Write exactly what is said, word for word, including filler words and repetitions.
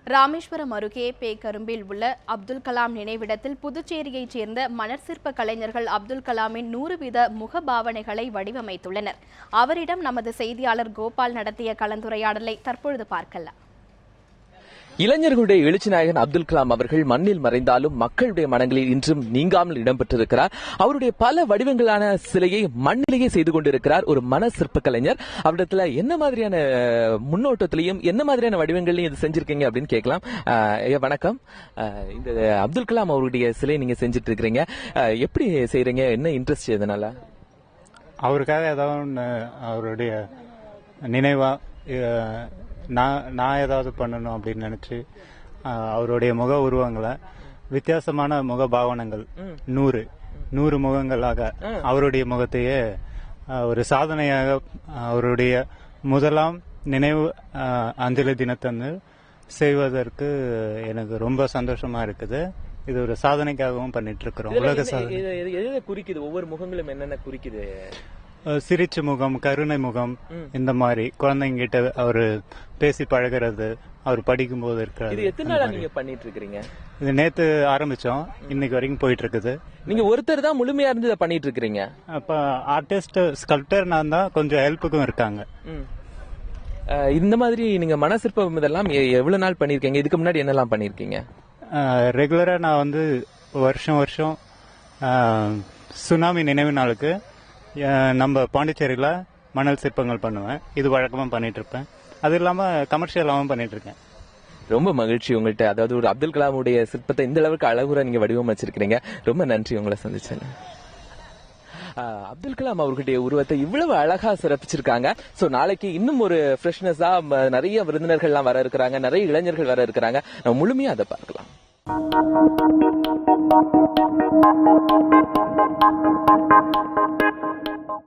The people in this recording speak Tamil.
ராமேஸ்வரம் அருகே பேக்கரும்பில் உள்ள அப்துல் கலாம் நினைவிடத்தில் புதுச்சேரியைச் சேர்ந்த மணற்சிற்ப கலைஞர்கள் அப்துல் கலாமின் நூறு வீத முகபாவனைகளை வடிவமைத்துள்ளனர். அவரிடம் நமது செய்தியாளர் கோபால் நடத்திய கலந்துரையாடலை தற்பொழுது பார்க்கலாம். இளைஞர்களுடைய எழுச்சி நாயகன் அப்துல் கலாம் அவர்கள் மண்ணில் மறைந்தாலும் மக்களுடைய மனங்களில் இன்றும் நீங்காமல் இடம்பெற்றிருக்கிறார். அவருடைய பல வடிவங்களான சிலையை மண்ணிலேயே செய்து கொண்டிருக்கிறார் ஒரு மன சிற்ப கலைஞர். அவரிடத்துல என்ன மாதிரியான முன்னோட்டத்திலையும் என்ன மாதிரியான வடிவங்களையும் இது செஞ்சிருக்கீங்க அப்படின்னு கேட்கலாம். வணக்கம். இந்த அப்துல் கலாம் அவருடைய சிலை நீங்க செஞ்சிட்டு இருக்கிறீங்க, எப்படி செய்யறீங்க? என்ன இன்ட்ரெஸ்ட் எதனால? அவருக்காக ஏதாவது அவருடைய நினைவா நான் நான் ஏதாவது பண்ணணும் அப்படின்னு நினைச்சு அவருடைய முக உருவங்களை வித்தியாசமான முக பாவனங்கள் நூறு நூறு முகங்களாக அவருடைய முகத்தையே ஒரு சாதனையாக அவருடைய முதலாம் நினைவு அஞ்சலி தினத்தன்று செய்வதற்கு எனக்கு ரொம்ப சந்தோஷமா இருக்குது. இது ஒரு சாதனைக்காகவும் பண்ணிட்டு இருக்கிறோம். உலக சாதனை குறிக்குது. ஒவ்வொரு முகங்களும் என்னென்ன குறிக்குது? சிரிச்ச முகம், கருணை முகம், இந்த மாதிரி குழந்தைங்க கிட்ட அவரு பேசி பழகிறது, அவர் படிக்கும் போது இருக்கிறது. இது எத்தனை நாளா நீங்க பண்ணிட்டு இருக்கீங்க? இது நேத்து ஆரம்பிச்சோம், இன்னைக்கு வரைக்கும் போயிட்டு இருக்குது. நீங்க ஒருத்தர் தான் முழுமையா இருந்து இதை பண்ணிட்டு இருக்கீங்க? அப்ப ஆர்டிஸ்ட் ஸ்கல்ப்டர் நான் தான், கொஞ்சம் ஹெல்ப்புக்கும் இருக்காங்க. இந்த மாதிரி நீங்க மனசிற்பம் இதெல்லாம் எவ்வளவு நாள் பண்ணிருக்கீங்க? இதுக்கு முன்னாடி என்னெல்லாம் பண்ணிருக்கீங்க? ரெகுலரா நான் வந்து வருஷம் வருஷம் சுனாமி நினைவு நாளுக்கு நம்ம பாண்டிச்சேரியில மணல் சிற்பங்கள் பண்ணுவேன். இது வழக்கமா பண்ணிட்டு இருப்பேன். அது இல்லாம கமர்ஷியலாவும் பண்ணிட்டு இருக்கேன். ரொம்ப மகிழ்ச்சி உங்கள்கிட்ட, அதாவது ஒரு அப்துல் கலாமுடைய சிற்பத்தை இந்த அளவுக்கு அழகுற நீங்க வடிவமைச்சிருக்கீங்க. ரொம்ப நன்றி உங்களை சந்திச்சேன். அப்துல் கலாம் அவர்களுடைய உருவத்தை இவ்வளவு அழகா சிறப்பிச்சிருக்காங்க. சோ நாளைக்கு இன்னும் ஒரு ஃப்ரெஷ்னஸா நிறைய விருந்தினர்கள்லாம் வர இருக்கிறாங்க, நிறைய இளைஞர்கள் வர இருக்கிறாங்க. நம்ம முழுமையா அதை பார்க்கலாம்.